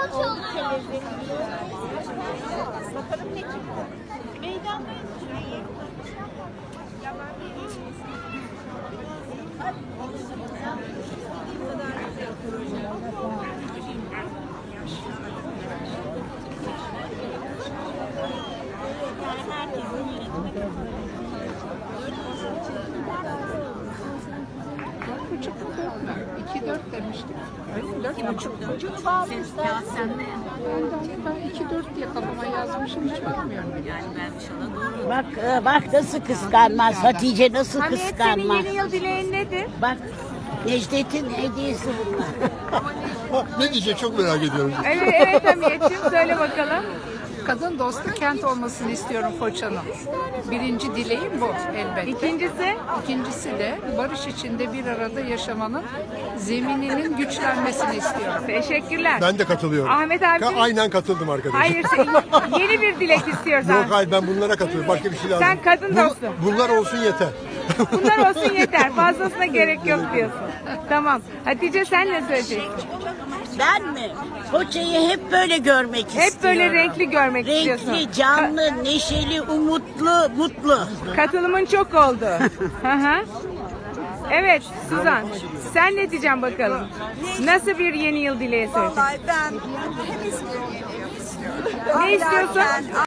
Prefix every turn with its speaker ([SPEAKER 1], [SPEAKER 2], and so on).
[SPEAKER 1] Oldukça lezzetli. Bakalım ne çıktı. Meydandayız.
[SPEAKER 2] Buçuk mu 4 mü? 2-4 demiştik. Öyle 4,5.
[SPEAKER 1] Çocuğunu bağlamışlar.
[SPEAKER 3] Ya sen de
[SPEAKER 2] Ben 2-4 diye kafama yazmışım, hiç bakmıyorum bile.
[SPEAKER 3] yani vermiş ona doğru.
[SPEAKER 4] Bak nasıl kıskanmaz Hatice, nasıl
[SPEAKER 1] Hamiyet, senin
[SPEAKER 4] kıskanmaz.
[SPEAKER 1] yeni yıl dileğin nedir?
[SPEAKER 4] Bak Necdet'in hediyesi bunlar.
[SPEAKER 5] Ne diyecek çok merak ediyorum.
[SPEAKER 1] Evet Hamiyet'ciğim söyle bakalım.
[SPEAKER 2] Kadın dostu kent olmasını istiyorum Foça'nın. Birinci dileğim bu elbette.
[SPEAKER 1] İkincisi?
[SPEAKER 2] İkincisi de barış içinde bir arada yaşamanın zemininin güçlenmesini istiyorum.
[SPEAKER 1] Teşekkürler.
[SPEAKER 5] Ben de katılıyorum.
[SPEAKER 1] Ahmet abicim.
[SPEAKER 5] Aynen katıldım arkadaşım.
[SPEAKER 1] Hayır yeni bir dilek istiyorsan.
[SPEAKER 5] Yok hayır, ben bunlara katılıyorum. Başka bir şey lazım.
[SPEAKER 1] Sen kadın dostu.
[SPEAKER 5] Bunlar olsun yeter.
[SPEAKER 1] Bunlar olsun yeter. Fazlasına gerek yok diyorsun. Tamam. Hatice sen ne söyleyeceksin?
[SPEAKER 4] Ben mi? Foça'yı hep böyle görmek istiyorum.
[SPEAKER 1] Hep böyle renkli görmek istiyorsun.
[SPEAKER 4] Renkli, canlı, neşeli, umutlu, mutlu.
[SPEAKER 1] Katılımın çok oldu. Hı hı. Evet Suzan. Sen ne diyeceksin bakalım? Nasıl bir yeni yıl dileği söyleyeceksin?
[SPEAKER 6] Vallahi ben temiz bir yeni yıl istiyorum.
[SPEAKER 1] Ne istiyorsun?
[SPEAKER 6] Ahlaken,